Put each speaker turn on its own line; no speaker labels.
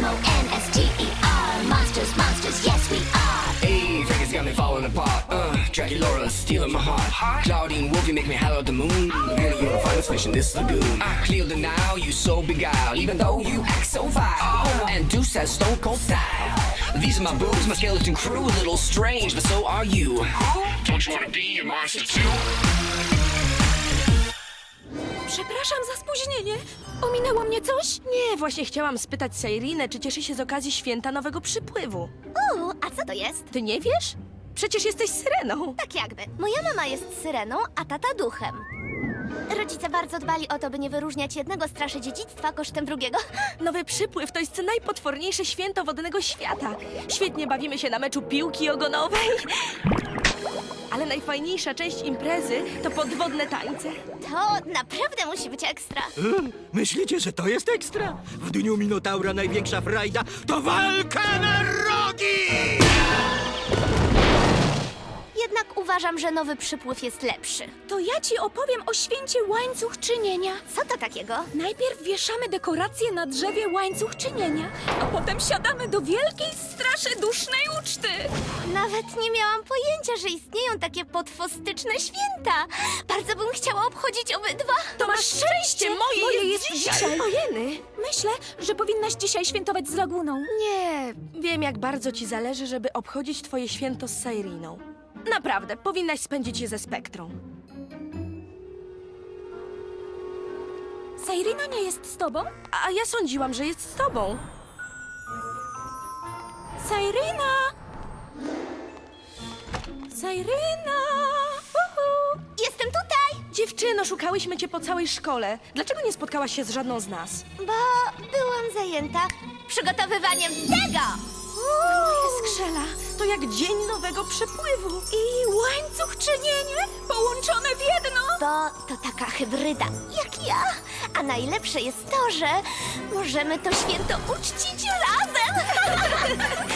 M-O-N-S-T-E-R. Monsters, monsters, yes we are.
Hey, Vegas got me falling apart. Dracula, stealing my heart. Claudine Wolf, you make me holler at the moon. Really, you're the finest fish in this lagoon. Clear the now, you so beguiled, even though you act so vile. And Deuce has stone cold style. These are my boobs, my skeleton crew. A little strange, but so are you. Don't you wanna be a monster too?
Przepraszam za spóźnienie. Ominęło mnie coś?
Nie, właśnie chciałam spytać Sairinę, czy cieszy się z okazji święta nowego przypływu.
A co to jest?
Ty nie wiesz? Przecież jesteś syreną.
Tak jakby. Moja mama jest syreną, a tata duchem. Rodzice bardzo dbali o to, by nie wyróżniać jednego straszy dziedzictwa kosztem drugiego.
Nowy przypływ to jest najpotworniejsze święto wodnego świata. Świetnie bawimy się na meczu piłki ogonowej. Ale najfajniejsza część imprezy to podwodne tańce.
To naprawdę musi być ekstra.
Myślicie, że to jest ekstra? W dniu Minotaura największa frajda to walka na rogi!
Jednak uważam, że nowy przypływ jest lepszy.
To ja ci opowiem o święcie łańcuch czynienia.
Co to takiego?
Najpierw wieszamy dekoracje na drzewie łańcuch czynienia, a potem siadamy do wielkiej straszy dusznej uczty.
Nawet nie miałam pojęcia, że istnieją takie potwostyczne święta. Bardzo bym chciała obchodzić obydwa.
To masz szczęście, moje jest dzisiaj. Ojeny.
Myślę, że powinnaś dzisiaj świętować z Laguną.
Nie, wiem jak bardzo ci zależy, żeby obchodzić twoje święto z Sairiną. Naprawdę, powinnaś spędzić je ze Spektrą.
Sairina nie jest z tobą?
A ja sądziłam, że jest z tobą.
Sairina! Sairina! Uhu.
Jestem tutaj,
Dziewczyno, szukałyśmy cię po całej szkole. Dlaczego nie spotkałaś się z żadną z nas?
bo byłam zajęta przygotowywaniem tego.
Skrzela, to jak dzień nowego przypływu.
I łańcuch czynienie połączone w jedno.
Bo to taka hybryda, jak ja. A najlepsze jest to, że możemy to święto uczcić razem.